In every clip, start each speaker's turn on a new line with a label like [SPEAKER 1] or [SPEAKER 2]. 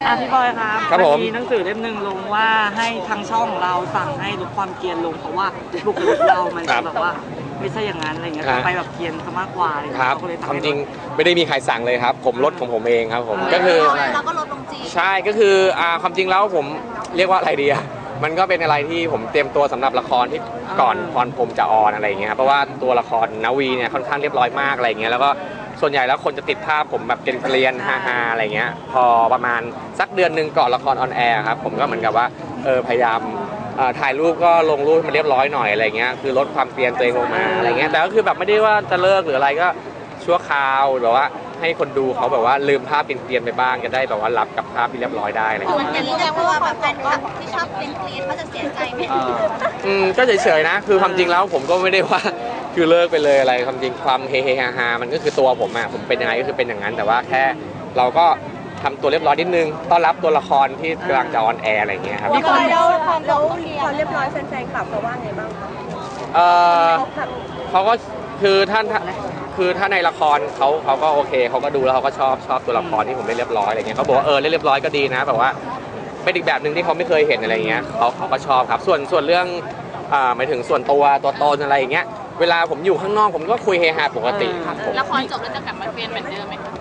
[SPEAKER 1] พี่บอยครับมีหนังสือเล่มหนึ่งลงว่าให้ทางช่องเราสั่งให้ลดความเกรียนลงเพราะว่าบุคลิกเรามันแบบว่าไม่ใช่อย่างนั้นอะไรเงี้ยไปแบบเกรียนซะมากกว่า
[SPEAKER 2] ครับความจริงไม่ได้มีใครสั่งเลยครับผมลดของผมเองครับผมก็คือ
[SPEAKER 3] เราก็ลดลงจริง
[SPEAKER 2] ใช่ก็คือความจริงแล้วผมเรียกว่าอะไรดีมันก็เป็นอะไรที่ผมเตรียมตัวสำหรับละครที่ก่อนพรพรหมจะออนอะไรอย่างเงี้ยเพราะว่าตัวละครนวีเนี่ยค่อนข้างเรียบร้อยมากอะไรเงี้ยแล้วก็ส่วนใหญ่แล้วคนจะติดภาพผมแบบเกรียนๆฮาๆอะไรเงี้ยพอประมาณสักเดือนหนึ่งก่อนละครออนแอร์ครับผมก็เหมือนกับว่าพยายามถ่ายรูปก็ลงรูปมันเรียบร้อยหน่อยอะไรเงี้ยคือลดความเกรียนตัวเองลงมาอะไรเงี้ยแต่ก็คือแบบไม่ได้ว่าจะเลิกหรืออะไรก็ชั่วคราวแบบว่าให้คนดูเขาแบบว่าลืมภาพเกรียนๆไปบ้างจะได้แบบว่ารับกับภาพที่เรียบร้อยได้อะไรเงี้ย
[SPEAKER 3] อย่างนี้แสดงว่าแบบแฟนคลับที่ชอบเกรียนเขาจะเสียใจไหม
[SPEAKER 2] ก็เฉยๆนะคือความจริงแล้วผมก็ไม่ได้ว่าคือเลิกไปเลยอะไรความจริงความเฮฮามันก็คือตัวผมผมเป็นยังไงก็คือเป็นอย่างนั้นแต่ว่าแค่เราก็ทำตัวเรียบร้อยนิดนึงต้อนรับตัวละครที่กำลังจะออนแอร์อะไรอย่างเงี้ยครับ
[SPEAKER 3] มีคนแล้วความเรียบร้อยแฟนๆคลับเขาว่าไงบ้างคะ
[SPEAKER 2] เขาก็คือถ้าในละครเขาก็โอเคเขาก็ดูแล้วเขาก็ชอบตัวละครที่ผมเล่นเรียบร้อยอะไรเงี้ยเขาบอกว่าเล่นเรียบร้อยก็ดีนะแบบว่าเป็นอีกแบบหนึ่งที่เขาไม่เคยเห็นอะไรเงี้ยเขาก็ชอบครับส่วนเรื่องหมายถึงส่วนตัวตนอะไรอย่างเงี้ยเวลาผมอยู่ข้างนอกผมก็คุยเฮฮาปกติครับผม
[SPEAKER 3] ละครจบแล้วจะกลับมาเป็นเหมือนเดิมไหมคะ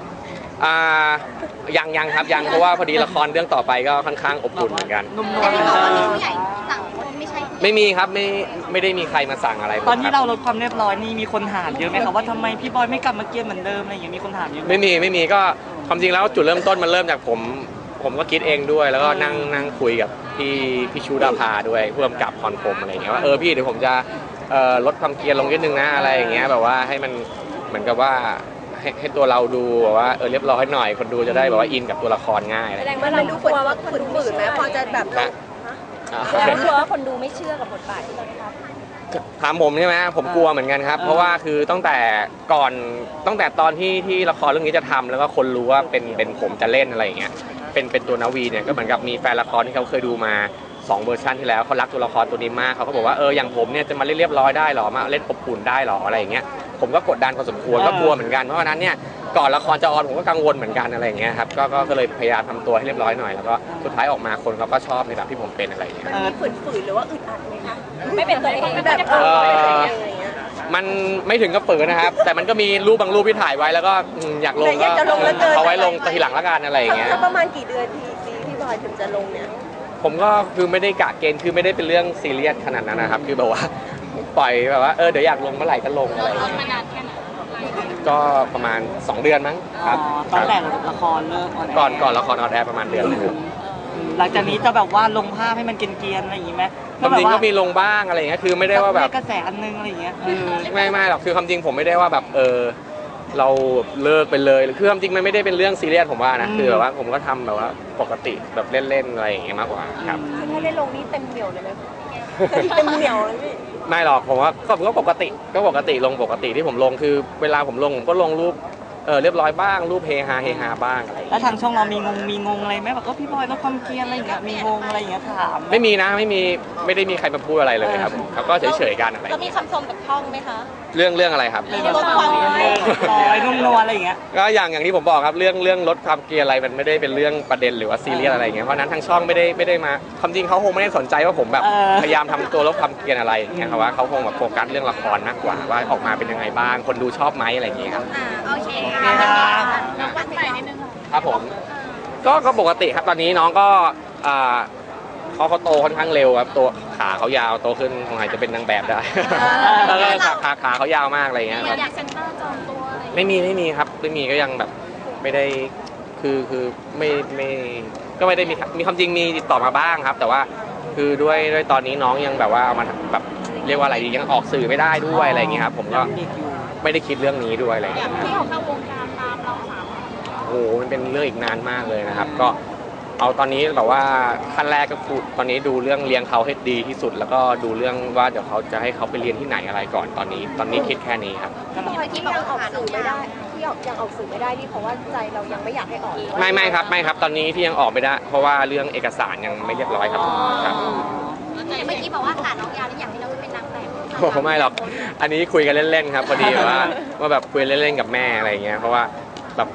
[SPEAKER 2] ยังครับยังเพราะว่าพอดีละครเรื่องต่อไปก็ค่อนข้างอบอุ่นเหมือนกัน
[SPEAKER 3] แต่ที่บอกว่ามีผู้ใหญ่สั่งไม่ใช่
[SPEAKER 2] ไม่มีครับไม่ได้มีใครมาสั่งอะไร
[SPEAKER 1] ตอนที่เราลดความเรียบร้อยนี่มีคนถามเยอะไหมครับว่าทำไมพี่บอยไม่กลับมาเกรียนเหมือนเดิมอะไรอย่างเงี้ยมีคนถามเยอะ
[SPEAKER 2] ไม่มีก็ความจริงแล้วจุดเริ่มต้นมันเริ่มจากผมก็คิดเองด้วยแล้วก็นั่งคุยกับพี่ชูดาภาด้วยผู้กำกับพรพรหมอะไรอย่างเงี้ยว่าพี่เดี๋ยวผมจะลดความเกรียนลงนิดนึงนะอะไรอย่างเงี้ยแบบว่าให้มันเหมือนกับว่าให้ตัวเราดูแบบว่าเรียบร้อยหน่อยคนดูจะได้แบบว่าอินกับตัวละครง่าย
[SPEAKER 3] แสดงว่าเราดูกลัวว่าคนฝืนไหมพอจะแบบแล้วกลัวว่าคนดูไม่เชื่อกับบทบาทที่เราทำ
[SPEAKER 2] ถามผมใช่ไหมผมกลัวเหมือนกันครับเพราะว่าคือตั้งแต่ตอนที่ละครเรื่องนี้จะทำแล้วก็คนรู้ว่าเป็นผมจะเล่นอะไรอย่างเงี้ยเป็นตัวนาวีเนี่ยก็เหมือนกับมีแฟนละครที่เขาเคยดูมา2 เวอร์ชันที่แล้วเขารักตัวละครตัวนี้มากเขาก็บอกว่าอย่างผมเนี่ยจะมาเล่นเรียบร้อยได้หรอมาเล่นอบอุ่นได้หรออะไรอย่างเงี้ยผมก็กดดันพอสมควรก็กลัวเหมือนกันเพราะฉะนั้นเนี่ยก่อนละครจะออนผมก็กังวลเหมือนกันอะไรอย่างเงี้ยครับก็เลยพยายามทำตัวให้เรียบร้อยหน่อยแล้วก็สุดท้ายออกมาคนเขาก็ชอบในแบบที่ผมเป็นอะไรอย่างเงี้ย
[SPEAKER 3] มันฝืนหรือว่าอึดอัดไหมคะไม่เป็นตัวเองแบบ
[SPEAKER 2] มันไม่ถึงกับฝืนนะครับแต่มันก็มีรูปบางรูปที่ถ่ายไว้แล้วก็อยากลงก็เอาไว้ลงทีหลังละกันอะไรอย่างเงี้ย
[SPEAKER 3] ประมาณกี่เดือนพี่บอยถึงจะลงเนี่ย
[SPEAKER 2] ผมก็คือไม่ได้กะเกณฑ์คือไม่ได้เป็นเรื่องซีเรียสขนาดนั้นนะครับคือแบบว่าปล่อยแบบว่าเดี๋ยวอยากลงเมื่อไหร่ก็ลงอะไรก็ประมาณ2 เดือนมั้งครับ
[SPEAKER 1] ตอนแต่ละครเลิก
[SPEAKER 2] ก่อนละครออนแอร์ประมาณเดือนนึง
[SPEAKER 1] หลังจากนี้จะแบบว่าลงภาพให้มันเกรียนๆอะไรอย่างงี้ไหม
[SPEAKER 2] ความจริงก็มีลงบ้างอะไรอย่างเงี้ยคือไม่ได้ว่าแบบ
[SPEAKER 1] กระแสอันนึงอะไรอย่างเงี้ย
[SPEAKER 2] ไม่หรอกคือความจริงผมไม่ได้ว่าแบบเราเลิกไปเลยคือความจริงมันไม่ได้เป็นเรื่องซีเรียสผมว่านะคือแบบว่าผมก็ทำแบบว่าปกติแบบเล่นๆอะไรอย่างเงี้ยมากกว่าครับ
[SPEAKER 3] ถ้าได้ลงนี่เต็มเหนียวเลยไหมเต็มเหนียวเลยพี่
[SPEAKER 2] ไม่หรอกผมว่าก็ปกติลงปกติที่ผมลงคือเวลาผมลงผมก็ลงรูปเรียบร้อยบ้างรูปเฮฮาบ้างอะไร
[SPEAKER 1] แล้วทางช่องเรามีงงอะไรไหมแบบก็พี่บอยลดความเกรียนอะไรอย่างเงี้ยมีงงอะไรอย่างเงี้ยถาม
[SPEAKER 2] ไม่มีนะไม่ได้มีใครมาพูดอะไรเลยครับเขาก็เฉยๆกันอะไร
[SPEAKER 3] แล้วมีคำชมกับช่องไหมคะ
[SPEAKER 2] เรื่องอะไรครับ
[SPEAKER 3] ลดความ
[SPEAKER 1] ลอยนุ่มนวลอะไรอย่างเงี้ย
[SPEAKER 2] ก็อย่างที่ผมบอกครับเรื่องลดความเกรียนอะไรมันไม่ได้เป็นเรื่องประเด็นหรือว่าซีเรียสอะไรอย่างเงี้ยเพราะนั้นทางช่องไม่ได้มาความจริงเขาคงไม่ได้สนใจว่าผมแบบพยายามทำตัวลดความเกรียนอะไรอย่างเงี้ยครับว่าเขาคงแบบโฟกัสเรื่องละครมากกว่าว่าออกมาเป็นยังไงบ้างคนดูชอบไหมอะไรอย่างเงี้ยครับ
[SPEAKER 3] โอเคค่ะน้องวันใหม่นิดนึง
[SPEAKER 2] ครับผมก็ปกติครับตอนนี้น้องก็เขาโตค่อนข้างเร็วครับตัวขาเขายาวโตขึ้นคงอาจจะเป็นนางแบบได้แล้วก็ขาเขายาวมากอะไรเงี้ย
[SPEAKER 3] อยากเซ็นเตอร์จองตัวอะไร
[SPEAKER 2] ไม่มีครับไม่มีก็ยังแบบไม่ได้คือไม่ก็ไม่ได้มีความจริงมีติดต่อมาบ้างครับแต่ว่าคือด้วยตอนนี้น้องยังแบบว่าเอามาแบบเรียกว่าอะไรยังออกสื่อไม่ได้ด้วยอะไรเงี้ยครับผมก็ไม่ได้คิดเรื่องนี้ด้วยอะไรเงี้ย
[SPEAKER 3] ที่เขาเข้าวงการตามเราสาม
[SPEAKER 2] โอ้โหมันเป็นเรื่องอีกนานมากเลยนะครับก็เอาตอนนี้แบบว่าขั้นแรกก็คือตอนนี้ดูเรื่องเลี้ยงเขาให้ดีที่สุดแล้วก็ดูเรื่องว่าเดี๋ยวเขาจะให้เขาไปเรียนที่ไหนอะไรก่อนตอนนี้คิดแค่นี้ครับ
[SPEAKER 3] ที่ยังออกสื่อไม่ได้ที่ยังออกสื่อไม่ได้นี่เพราะว่าใจเรายังไม่อยากให้ออก
[SPEAKER 2] ไม่ครับตอนนี้ที่ยังออกไม่ได้เพราะว่าเรื่องเอกสารยังไม่เรียบร้อยครับ
[SPEAKER 3] เมื่อกี้บอกว่าขาน้องยาวแล้วอยากให้น้องเป็นนางแบบ
[SPEAKER 2] ไม่หรอกอันนี้คุยกันเล่นๆครับพอดีว่าแบบคุยเล่นๆกับแม่อะไรเงี้ยเพราะว่าแบบ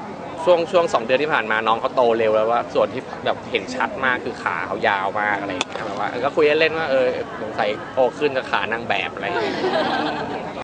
[SPEAKER 2] ช่วง2 เดือนที่ผ่านมาน้องเขาโตเร็วแล้วว่าส่วนที่แบบเห็นชัดมากคือขาเขายาวมากอะไรอย่างเงี้ยแบบว่าก็คุยเล่นๆว่าสงสัยโตขึ้นจะขานางแบบอะไรอย่างเงี้ย